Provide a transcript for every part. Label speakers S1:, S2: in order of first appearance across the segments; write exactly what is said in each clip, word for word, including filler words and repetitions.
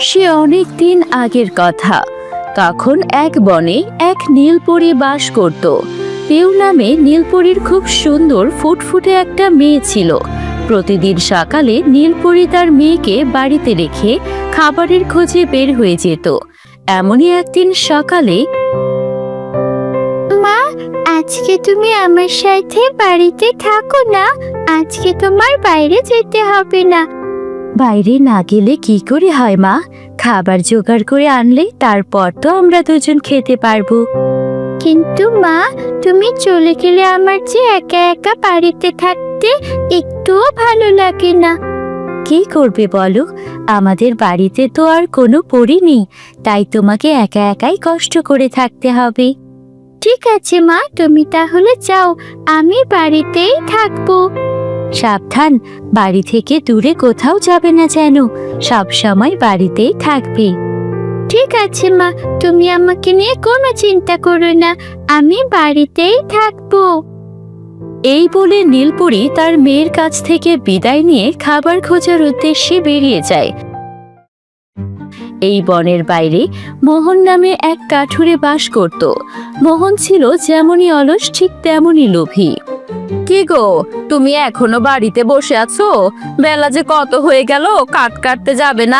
S1: সে অনেক দিন আগের কথা। তখন এক বনে এক নীলপরী বাস করত। পিউ নামে নীলপরীর খুব সুন্দর ফুটফুটে একটা মেয়ে ছিল। প্রতিদিন সকালে নীলপরী তার মেয়েকে বাড়িতে রেখে খাবারের খোঁজে বের হয়ে যেত। এমনই একদিন সকালে,
S2: মা, আজকে তুমি আমার সাথে বাড়িতে থাকো না। আজকে তোমার বাইরে যেতে হবে না।
S1: বাইরে না গেলে কি করে হয় মা? খাবার জোগাড় করে আনলে তারপর তো আমরা দুজন খেতে পারবো।
S2: কিন্তু মা, তুমি চলে গেলে আমার যে একা একা বাড়িতে থাকতে একটুও ভালো লাগে না।
S1: কি করবে বলো? আমাদের বাড়িতে তো আর কোনো পরী নেই, তাই তোমাকে একা একাই কষ্ট করে থাকতে হবে।
S2: ঠিক আছে মা, তুমি তাহলে যাও, আমি বাড়িতেই থাকবো।
S1: সাবধান, বাড়ি থেকে দূরে কোথাও যাবে না যেন। সব সময় বাড়িতেই থাকবে।
S2: ঠিক আছে মা, তুমি আমাকে নিয়ে কোনো চিন্তা করো না, আমি বাড়িতেই থাকবো।
S1: এই বলে নীলপরী তার মেয়ের কাছ থেকে বিদায় নিয়ে খাবার খোঁজার উদ্দেশ্যে বেরিয়ে যায়। এই বনের বাইরে মোহন নামে এক কাঠুরে বাস করত। মোহন ছিল যেমনই অলস ঠিক তেমনই লোভী। কি গো, তুমি এখনো বাড়িতে বসে আছো? বেলা যে কত হয়ে গেল, কাঠ কাটতে যাবে না?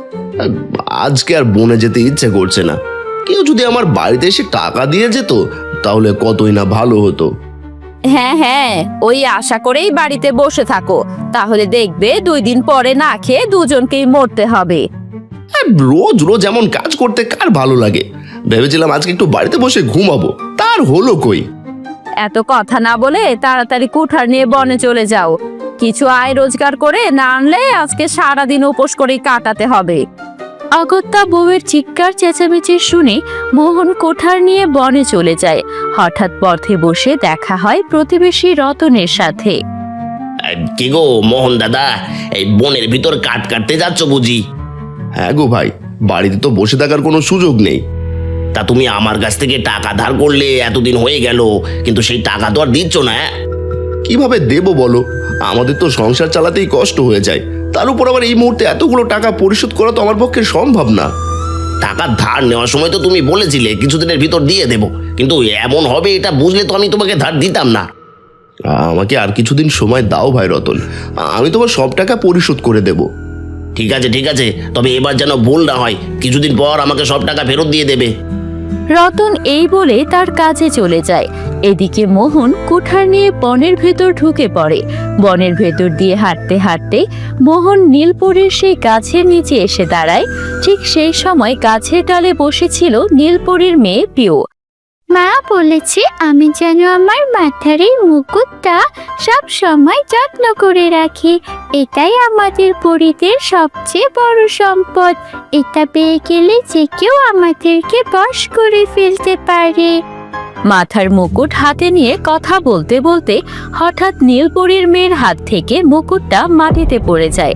S3: আজকে আর বনে যেতে ইচ্ছে করছে না। কেউ যদি আমার বাড়িতে এসে টাকা দিয়ে যেত তাহলে কতই না ভালো হতো।
S1: হ্যাঁ হ্যাঁ, ওই আশা করেই বাড়িতে বসে থাকো, তাহলে দেখবে দুই দিন পরে না খেয়ে দুজনকেই মরতে হবে।
S3: রোজ রোজ এমন কাজ করতে কার ভালো লাগে? ভেবেছিলাম আজকে একটু বাড়িতে বসে ঘুমাবো, তার হলো কই?
S1: এত কথা না বলে তাড়াতাড়ি কুঠার নিয়ে বনে চলে যাও। কিছু আয় রোজগার করে না আনলে আজকে সারাদিন উপোস করেই কাটাতে হবে। অগত্যা বউয়ের চিৎকার চেঁচামেচি শুনে মোহন কোঠার নিয়ে বনে চলে যায়। হঠাৎ পথে বসে দেখা হয় প্রতিবেশী রতনের সাথে।
S3: কি গো মোহন দাদা, এই বনের ভিতর কাঠ কাটতে যাচ্ছ বুঝি? হ্যাঁ গো ভাই, বাড়িতে তো বসে থাকার কোনো সুযোগ নেই। তা তুমি আমার কাছ থেকে টাকা ধার করলে, এতদিন হয়ে গেল, কিন্তু সেই টাকা তো আর দিচ্ছ না। কিভাবে দেবো বলো? আমাদের তো সংসার চালাতেই কষ্ট হয়ে যায়, তার উপর আবার এই মুহূর্তে এতগুলো টাকা পরিশোধ করা তো আমার পক্ষে সম্ভব না। টাকা ধার নেওয়ার সময় তো তুমি বলেছিলে কিছুদিনের ভিতর দিয়ে দেবো, কিন্তু এমন হবে এটা বুঝলে তো আমি তোমাকে ধার দিতাম না। আমাকে আর কিছুদিন সময় দাও ভাই রতন, আমি তোমার সব টাকা পরিশোধ করে দেব। ঠিক আছে ঠিক আছে, তবে এবার যেন ভুল না হয়, কিছুদিন পর আমাকে সব টাকা ফেরত দিয়ে দেবে।
S1: রতন এই বলে তার কাজে চলে যায়। এদিকে মোহন কুঠার নিয়ে বনের ভেতর ঢুকে পড়ে। বনের ভেতর দিয়ে হাঁটতে হাঁটতে মোহন নীলপরীর সেই গাছের নিচে এসে দাঁড়ায়। ঠিক সেই সময় গাছের ডালে বসেছিল নীলপরীর মেয়ে পিউ।
S2: মা বলেছে আমি যেন আমার মাথার এই মুকুটটা সব সময় যত্ন করে রাখি। এটাই আমাদের পরিদের সবচেয়ে বড় সম্পদ। এটা পেয়ে গেলে যে কেউ আমাদেরকে বশ করে ফেলতে পারে।
S1: মাথার মুকুট হাতে নিয়ে কথা বলতে বলতে হঠাৎ নীলপরীর মেয়ের হাত থেকে মুকুটটা মাটিতে পড়ে যায়।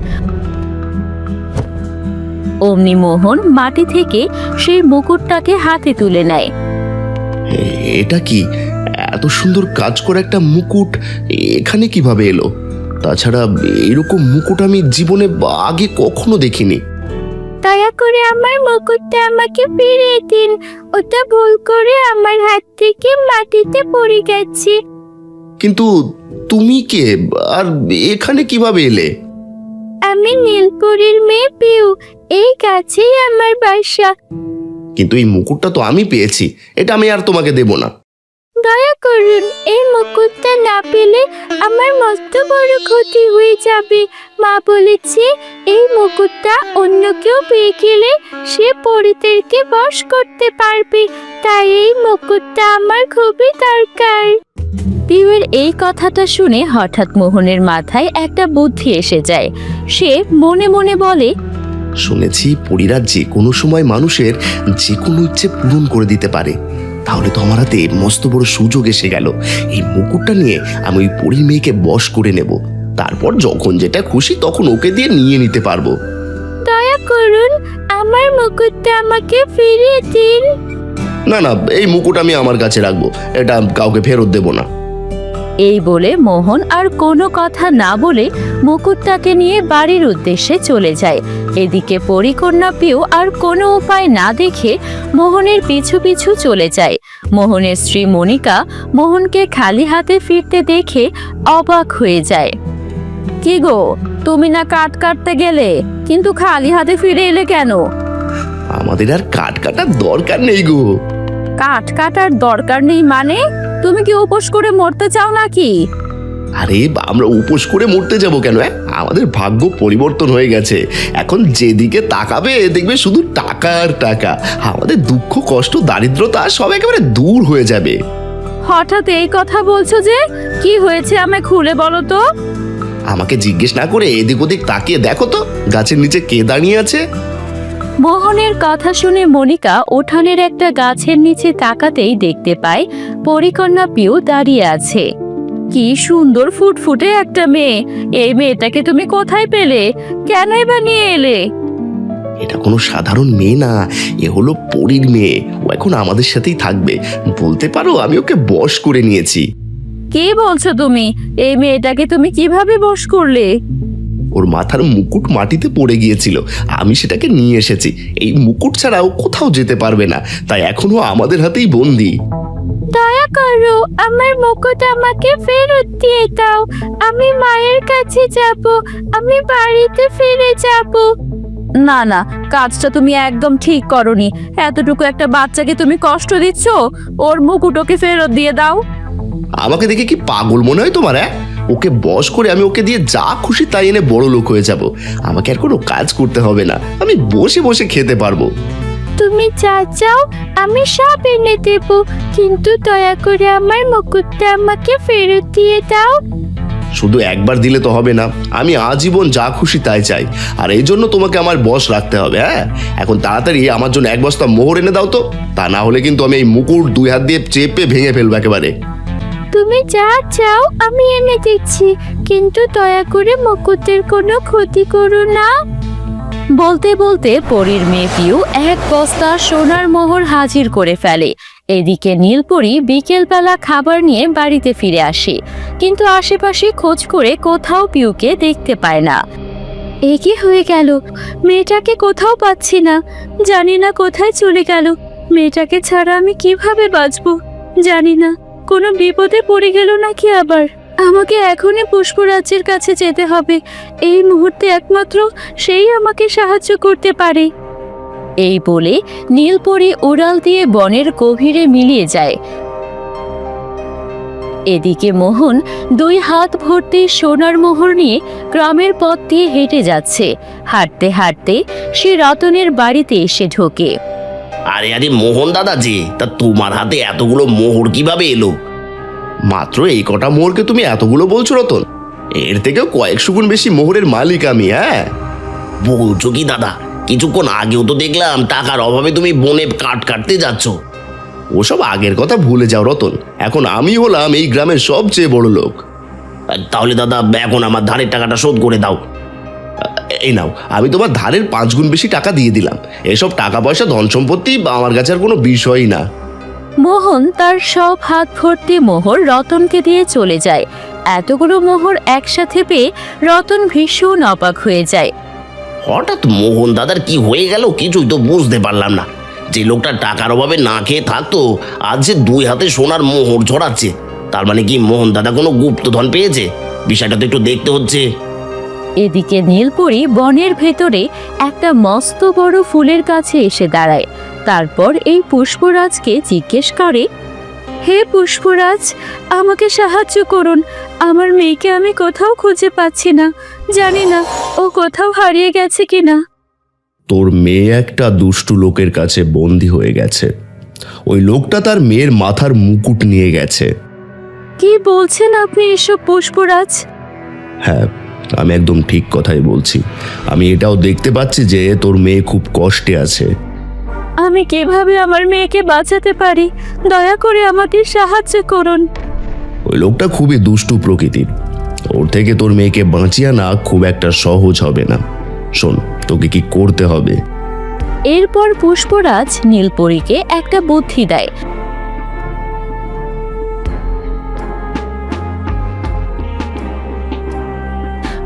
S1: অমনি মোহন মাটি থেকে সেই মুকুটটাকে হাতে তুলে নেয়।
S3: এটা কি? এত সুন্দর কাজ করে একটা মুকুট এখানে কিভাবে এলো? তাছাড়া এরকম মুকুট আমি জীবনে আগে কখনো দেখিনি।
S2: দয়া করে আমার মুকুটটা আমাকে ফিরিয়ে দিন। ওটা ভুল করে আমার হাত থেকে মাটিতে পড়ে গেছে।
S3: কিন্তু তুমি কে, আর এখানে কিভাবে এলে?
S2: আমি নীলপরীর মেয়ে পিউ, এই গাছেই আমার বাসা।
S3: কিন্তু এই মুকুটটা তো আমি পেয়েছি, এটা আমি আর তোমাকে দেব না।
S2: দয়া করুন, এই মুকুটটা না পেলে আমার মস্ত বড় ক্ষতি হয়ে যাবে। মা বলেছে এই মুকুটটা অন্য কেউ পেয়ে গেলে সে পরিদেরকে বশ করতে পারবে, তাই এই মুকুটটা আমার খুবই দরকার।
S1: পিউয়ের এই কথাটা শুনে হঠাৎ মোহনের মাথায় একটা বুদ্ধি এসে যায়। সে মনে মনে বলে,
S3: শুনেছি পরীরা যে কোনো সময় মানুষের যে কোনো ইচ্ছে পূরণ করে দিতে পারে, তাহলে তো আমার হাতে মস্ত বড় সুযোগ এসে গেল। এই মুকুটটা নিয়ে আমি ওই পরীর মেয়েকে বশ করে নেব, তারপর যখন যেটা খুশি তখন ওকে দিয়ে নিয়ে নিতে পারবো।
S2: দয়া করুন, আমার মুকুটটা আমাকে ফিরিয়ে দিন।
S3: না না, এই মুকুট আমি আমার কাছে রাখবো, এটা কাউকে ফেরত দেব না।
S1: এই বলে মোহন আর কোনো কথা না বলে মুকুটটাকে নিয়ে বাড়ির উদ্দেশ্যে চলে যায়। এদিকে পরিকন্যা পিউ আর কোনো উপায় না দেখে মোহনের পিছু পিছু চলে যায়। মোহনের স্ত্রী মনিকা মোহনকে খালি হাতে ফিরতে দেখে অবাক হয়ে যায়। কি গো, তুমি না কাঠ কাটতে গেলে, কিন্তু খালি হাতে ফিরে এলে কেন?
S3: আমাদের আর কাঠ কাটার দরকার নেই গো।
S1: কাঠ কাটার দরকার নেই মানে? তুমি কি উপোস করে মরতে চাও নাকি?
S3: আরে আমরা উপোস করে মরতে যাব কেন? হ্যাঁ, আমাদের ভাগ্য পরিবর্তন হয়ে গেছে। এখন যেদিকে তাকাবে দেখবে শুধু টাকা আর টাকা। আমাদের দুঃখ কষ্ট দারিদ্রতা সব একেবারে দূর হয়ে যাবে।
S1: হঠাৎ এই কথা বলছো যে? কি হয়েছে আমায় খুলে বলো তো।
S3: আমাকে জিজ্ঞেস না করে এদিক ওদিক তাকিয়ে দেখো তো, গাছের নিচে কে দাঁড়িয়ে আছে।
S1: মোহনের কথা শুনে মনিকা উঠানের একটা গাছের নিচে তাকাতেই দেখতে পায় পরিকন্যা পিউ দাঁড়িয়ে আছে। কি সুন্দর ফুটফুটে একটা মেয়ে! এই মেয়েটাকে তুমি কোথায় পেলে? কেনই বা নিয়ে এলে?
S3: এটা কোনো সাধারণ মেয়ে না, এ হলো পরীর মেয়ে। ও এখন আমাদের সাথেই থাকবে। বলতে পারো আমি ওকে বশ করে নিয়েছি।
S1: কি বলছো তুমি? এই মেয়েটাকে তুমি কিভাবে বশ করলে?
S3: ওর মাথার মুকুট মাটিতে পড়ে গিয়েছিল, আমি সেটাকে নিয়ে এসেছি। এই মুকুট ছাড়া ও কোথাও যেতে পারবে না, তাই এখনো আমাদের হাতেই বন্দি।
S2: দয়া করো, আমার মুকুট আমাকে ফেরত দিয়ে দাও। আমি মায়ের কাছে যাব, আমি বাড়িতে ফিরে যাব।
S1: না না, কাজটা তুমি একদম ঠিক করনি। এতটুকু একটা বাচ্চাকে তুমি কষ্ট দিচ্ছ। ওর মুকুট ওকে ফেরত দিয়ে দাও।
S3: আমাকে দেখে কি পাগল মনে হয় তোমার? হ্যাঁ, ওকে বশ করে আমি ওকে দিয়ে যা খুশি তাই এনে বড় লোক হয়ে যাব। আমাকে আর কোনো কাজ করতে হবে না, আমি বসে বসে খেতে পারবো।
S2: তুমি যা চাও আমি সব এনে দেব, কিন্তু দয়া করে আমার মুকুটটা আমাকে ফেরত দিয়ে দাও।
S3: শুধু একবার দিলে তো হবে না, আমি আজীবন যা খুশি তাই চাই। আর এই জন্য তোমাকে আমার বশ রাখতে হবে। হ্যাঁ, এখন তাড়াতাড়ি আমার জন্য এক বস্তা মোহর এনে দাও তো, তা না হলে কিন্তু আমি এই মুকুট দুই হাত দিয়ে চেপে ভেঙে ফেলবো একেবারে।
S2: তুমি যা চাও আমি এনে দিচ্ছি, কিন্তু দয়া করে মুকুটের কোনো ক্ষতি করো না।
S1: বলতে বলতে পরীর মেয়ে পিউ এক বস্তা সোনার মোহর হাজির করে ফেলে। এদিকে নীলপরি বিকেলবেলা খাবার নিয়ে বাড়িতে ফিরে আসে, কিন্তু আশেপাশে খোঁজ করে কোথাও পিউকে দেখতে পায় না। এ কি হয়ে গেল? মেয়েটাকে কোথাও পাচ্ছি না, জানি না কোথায় চলে গেল। মেয়েটাকে ছাড়া আমি কিভাবে বাঁচবো জানি না। কোনো বিপদে পড়ে গেল নাকি আবার? আমাকে এখনই পুষ্পরাজ্যের কাছে যেতে হবে। এই মুহূর্তে একমাত্র সেই আমাকে সাহায্য করতে পারে। এই বলে নীলপরি উড়াল দিয়ে বনের গভীরে মিলিয়ে যায়। এদিকে মোহন দুই হাত ভর্তি সোনার মোহর নিয়ে গ্রামের পথ দিয়ে হেঁটে যাচ্ছে। হাঁটতে হাঁটতে সে রতনের বাড়িতে এসে ঢোকে।
S3: আরে আরে মোহন দাদা যে, তা তোমার হাতে এতগুলো মোহর কিভাবে এলো? মাত্র এই কটা মোহরকে তুমি এতগুলো বলছো রতন? এর থেকে কয়েকশো গুণ বেশি মোহরের মালিক আমি। হ্যাঁ, বলছো কি দাদা? কিছুক্ষণ আগেও তো দেখলাম টাকার অভাবে তুমি বনে কাঠ কাটতে যাচ্ছ। ওসব আগের কথা ভুলে যাও রতন, এখন আমি হলাম এই গ্রামের সবচেয়ে বড় লোক। তাহলে দাদা এখন আমার ধারের টাকাটা শোধ করে দাও। এই নাও, আমি তোমার ধারের পাঁচ গুণ বেশি টাকা দিয়ে দিলাম। এসব টাকা পয়সা ধন সম্পত্তি আমার কাছে আর কোনো বিষয়ই না।
S1: মোহন তার সব হাত ভর্তি মোহর রতনকে দিয়ে চলে যায়। এতগুলো মোহর একসাথে পেয়ে রতন ভীষণ অবাক হয়ে যায়।
S3: হঠাৎ মোহন দাদার কি হয়ে গেল কিছুই তো বুঝতে পারলাম না। যে লোকটা টাকার অভাবে না খেয়ে থাকতো, আজ যে দুই হাতে সোনার মোহর ছড়াচ্ছে, তার মানে কি মোহন দাদা কোনো গুপ্তধন পেয়েছে? বিষয়টা তো একটু দেখতে হচ্ছে।
S1: এদিকে নীলপরি বনের ভেতরে একটা মস্ত বড় ফুলের কাছে এসে দাঁড়ায়। তারপর এই পুষ্পরাজকে জিজ্ঞেস করে, হে পুষ্পরাজ, আমাকে সাহায্য করুন। আমার মেয়েকে আমি কোথাও খুঁজে পাচ্ছি না, জানি না ও কোথাও হারিয়ে গেছে কিনা।
S3: তোর মেয়ে একটা দুষ্টু লোকের কাছে বন্দী হয়ে গেছে। ওই লোকটা তার মেয়ের মাথার মুকুট নিয়ে গেছে।
S1: কি বলছেন আপনি এসব পুষ্পরাজ?
S3: হ্যাঁ, আমি একদম ঠিক কথাই বলছি। আমি এটাও দেখতে পাচ্ছি যে তোর মেয়ে খুব কষ্টে আছে।
S1: আমি কিভাবে আমার মেয়েকে বাঁচাতে পারি? দয়া করে আমাদের সাহায্য করুন।
S3: ওই লোকটা খুবই দুষ্টু প্রকৃতির, ওর থেকে তোর মেয়েকে বাঁচিয়ে আনা খুব একটা সহজ হবে না। শোন, তোকে কি করতে হবে।
S1: এরপর পুষ্পরাজ নীলপরীকে একটা বুদ্ধি দেয়।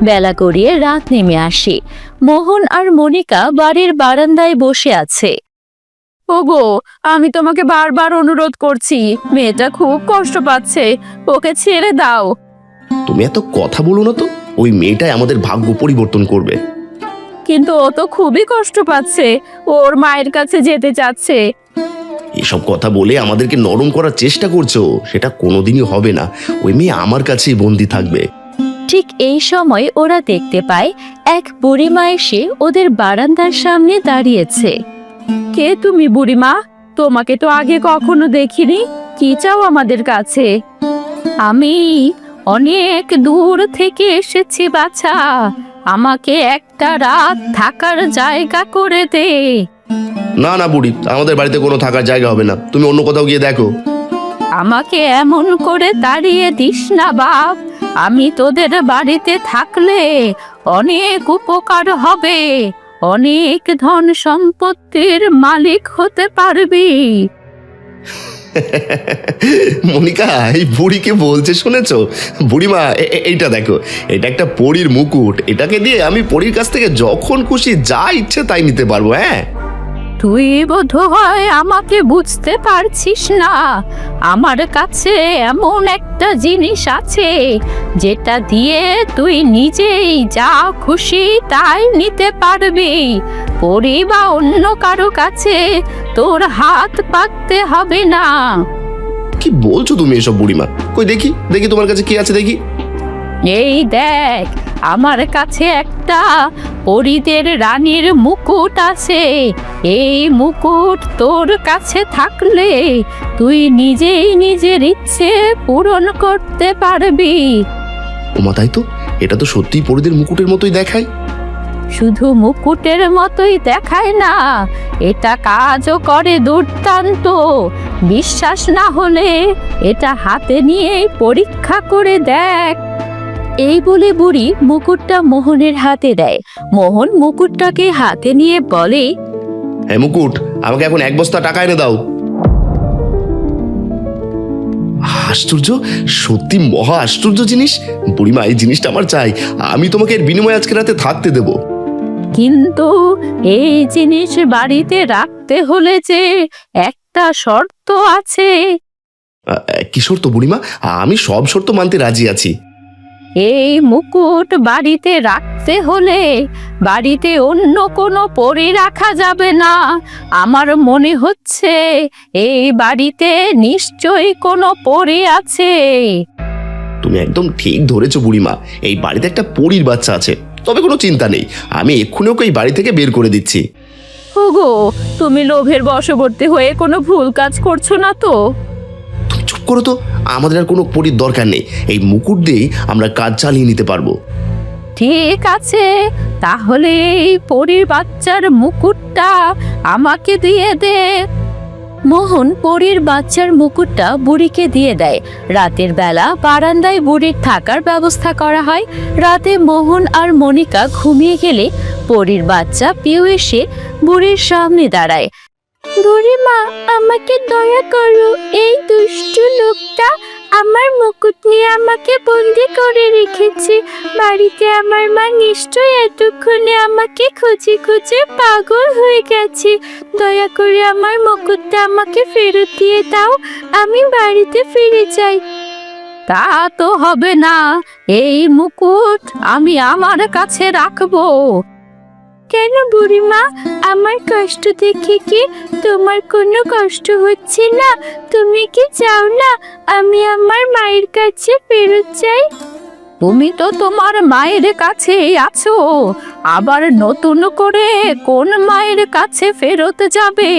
S1: বেলা গড়িয়ে রাত নেমে আসে। মোহন আর মনিকা বাড়ির বারান্দায় বসে আছে। ওগো, আমি তোমাকে বারবার অনুরোধ করছি, মেয়েটা খুব কষ্ট পাচ্ছে, ওকে ছেড়ে দাও।
S3: তুমি এত কথা বলো না তো, ওই মেয়েটাই আমাদের ভাগ্য পরিবর্তন করবে।
S1: কিন্তু ও তো খুবই কষ্ট পাচ্ছে, ওর মায়ের কাছে যেতে চাচ্ছে।
S3: এসব কথা বলে আমাদেরকে নরম করার চেষ্টা করছো, সেটা কোনোদিনই হবে না। ওই মেয়ে আমার কাছেই বন্দি থাকবে।
S1: ঠিক এই সময় ওরা দেখতে পায় এক বুড়িমা এসে ওদের বারান্দার সামনে দাঁড়িয়েছে। কে তুমি বুড়িমা? তোমাকে তো আগে কখনো দেখিনি, কি চাও আমাদের কাছে? আমি অনেক দূর থেকে এসেছি বাছা, আমাকে একটা রাত থাকার জায়গা করে দে।
S3: না না বুড়ি, আমাদের বাড়িতে কোনো থাকার জায়গা হবে না, তুমি অন্য কোথাও গিয়ে দেখো।
S1: আমাকে এমন করে তাড়িয়ে দিস না বাপ, আমি তোদের বাড়িতে থাকলে অনেক উপকার হবে, অনেক ধন সম্পত্তির মালিক হতে পারবি।
S3: মনিকা, এই বুড়িকে বলছে শুনেছো? বুড়িমা, এ- এ- এইটা দেখো, এটা একটা পরীর মুকুট, এটাকে দিয়ে আমি পরীর কাছ থেকে যখন খুশি যা ইচ্ছে তাই নিতে পারবো। হ্যাঁ,
S1: তুই বোধহয় আমাকে বুঝতে পারছিস না, আমার কাছে এমন একটা জিনিস আছে যেটা দিয়ে তুই নিজেই যা খুশি তাই নিতে পারবি, পরি বা অন্য কারো কাছে তোর হাত পাততে হবে না।
S3: কি বলছো তুমি এসব বুড়িমা? কই দেখি দেখি তোমার কাছে কি আছে দেখি।
S1: এই দেখ, আমার কাছে একটা পরীদের রানীর মুকুট আছে। এই মুকুট তোর কাছে থাকলে তুই নিজেই নিজের ইচ্ছে পূরণ করতে পারবি।
S3: ওমা, তাই তো, এটা তো সত্যিই পরীদের মুকুটের মতোই দেখায়।
S1: শুধু মুকুটের মতোই দেখায় না, এটা কাজও করে দুর্দান্ত। বিশ্বাস না হলে এটা হাতে নিয়ে পরীক্ষা করে দেখ। এই বলে বুড়ি মুকুটটা মোহনের হাতে দেয়। মোহন মুকুটটাকে হাতে নিয়ে বলে,
S3: হ্যাঁ মুকুট, আমাকে এখন এক বস্তা টাকা এনে দাও। আশ্চর্য, সত্যি মহা আশ্চর্য জিনিস। বুড়িমা, এই জিনিসটা আমার চাই, আমি তোমাকে এর বিনিময়ে আজকে রাতে থাকতে দেব।
S1: কিন্তু এই জিনিস বাড়িতে রাখতে হলে যে একটা শর্ত আছে।
S3: আহ, কি শর্ত বুড়িমা? আমি সব শর্ত মানতে রাজি আছি।
S1: এই মুকুট বাড়িতে রাখতে হলে বাড়িতে অন্য কোনো পরী রাখা যাবে না। আমার মনে হচ্ছে এই বাড়িতে নিশ্চয়ই কোনো পরী আছে।
S3: তুমি একদম ঠিক ধরেছো বুড়িমা, এই বাড়িতে একটা পরীর বাচ্চা আছে। তবে কোনো চিন্তা নেই, আমি এক্ষুনি ওকে এই বাড়ি থেকে বের করে দিচ্ছি।
S1: ওগো, তুমি লোভের বশবর্তী হয়ে কোনো ভুল কাজ করছো না তো?
S3: তুমি চুপ করো তো, আমাদের আর কোনো পরীর দরকার নেই, এই মুকুট দিয়েই আমরা কাজ চালিয়ে নিতে পারবো।
S1: ঠিক আছে, তাহলে এই পরীর বাচ্চার মুকুটটা আমাকে দিয়ে দে। মোহন পরীর বাচ্চার মুকুটটা বুড়িকে দিয়ে দেয়। রাতের বেলা বারান্দায় বুড়ির থাকার ব্যবস্থা করা হয়। রাতে মোহন আর মনিকা ঘুমিয়ে গেলে পরীর বাচ্চা পিউ এসে বুড়ির সামনে দাঁড়ায়।
S2: বুড়িমা, আমাকে দয়া করো, এই দুষ্টু লোকটা আমার মুকুট নিয়ে আমাকে বন্দি করে রেখেছে। বাড়িতে আমার মা নিশ্চয়ই এতক্ষণে আমাকে খুঁজে খুঁজে পাগল হয়ে গেছে। দয়া করে আমার মুকুটটা আমাকে ফেরত দিয়ে দাও, আমি বাড়িতে ফিরে যাই।
S1: তা তো হবে না, এই মুকুট আমি আমার কাছে রাখবো।
S2: কেন বুড়িমা, আমার কষ্ট দেখে কি তোমার কোনো কষ্ট হচ্ছে না? তুমি কি চাও না আমি আমার মায়ের কাছে ফেরত যাই?
S1: তুমি তো তোমার মায়ের কাছেই আছো, আবার নতুন করে কোন মায়ের কাছে ফেরত যাবে?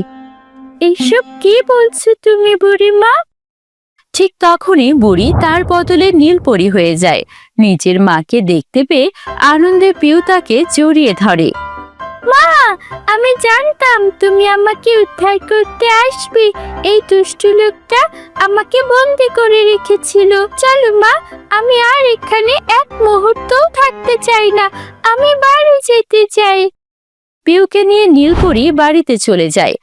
S2: এইসব কি বলছো তুমি বুড়িমা?
S1: ঠিক তখনই বুড়ি তার বদলে নীলপরি হয়ে যায়। নিজের মাকে দেখতে পেয়ে আনন্দে পিউ তাকে জড়িয়ে ধরে।
S2: মা, আমি জানতাম তুমি আমাকে উদ্ধার করতে আসবে। এই দুষ্টু লোকটা আমাকে বন্দি করে রেখেছিল। চলো মা, আমি আর এখানে এক মুহূর্তও থাকতে চাই না, আমি বাড়ি যেতে চাই।
S1: পিউকে নিয়ে নীলপরি বাড়িতে চলে যায়।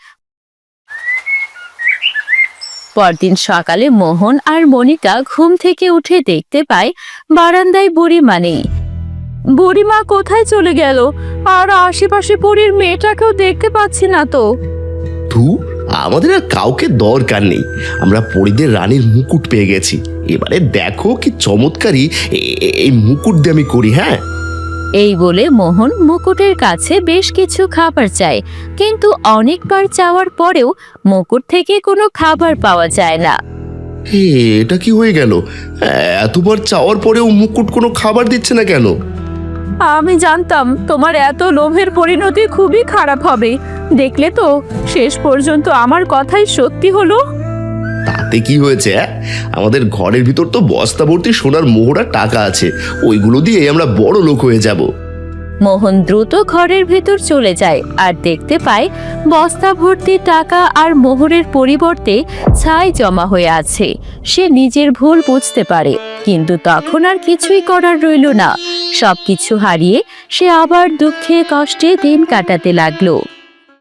S1: পরদিন সকালে মোহন আর মনিকা ঘুম থেকে উঠে দেখতে পায় বারান্দায় বুড়ি মানেই। বুড়িমা কোথায় চলে গেল? আর আশেপাশে পরীর মেয়েটাকেও দেখতে পাচ্ছি না তো।
S3: তু আমাদের আর কাউকে দরকার নেই, আমরা পরীদের রানীর মুকুট পেয়ে গেছি। এবারে দেখো কি চমৎকারী এ- এ- এই মুকুট দিয়ে আমি করি। হ্যাঁ,
S1: এই বলে মোহন মুকুটের কাছে বেশ কিছু খাবার চায়, কিন্তু অনেকবার চাওয়ার পরেও মুকুট থেকে কোনো খাবার পাওয়া যায় না।
S3: হে, এটা কি হয়ে গেল? এতবার চাওয়ার পরেও মুকুট কোনো খাবার দিচ্ছে না কেন?
S1: আমি জানতাম তোমার এত লোভের পরিণতি খুবই খারাপ হবে। দেখলে তো, শেষ পর্যন্ত আমার কথাই সত্যি হলো।
S3: তাতে কি হয়েছে? অ্যাঁ? আমাদের ঘরের ভিতর তো বস্তা ভর্তি সোনার মোহরা টাকা আছে, ওইগুলো দিয়ে আমরা বড় লোক হয়ে যাব।
S1: মোহন দ্রুত ঘরের ভেতর চলে যায় আর দেখতে পায় বস্তা ভর্তি টাকা আর মোহরের পরিবর্তে ছাই জমা হয়ে আছে। সে নিজের ভুল বুঝতে পারে, কিন্তু তখন আর কিছুই করার রইল না। সবকিছু হারিয়ে সে আবার দুঃখে কষ্টে দিন কাটাতে লাগলো।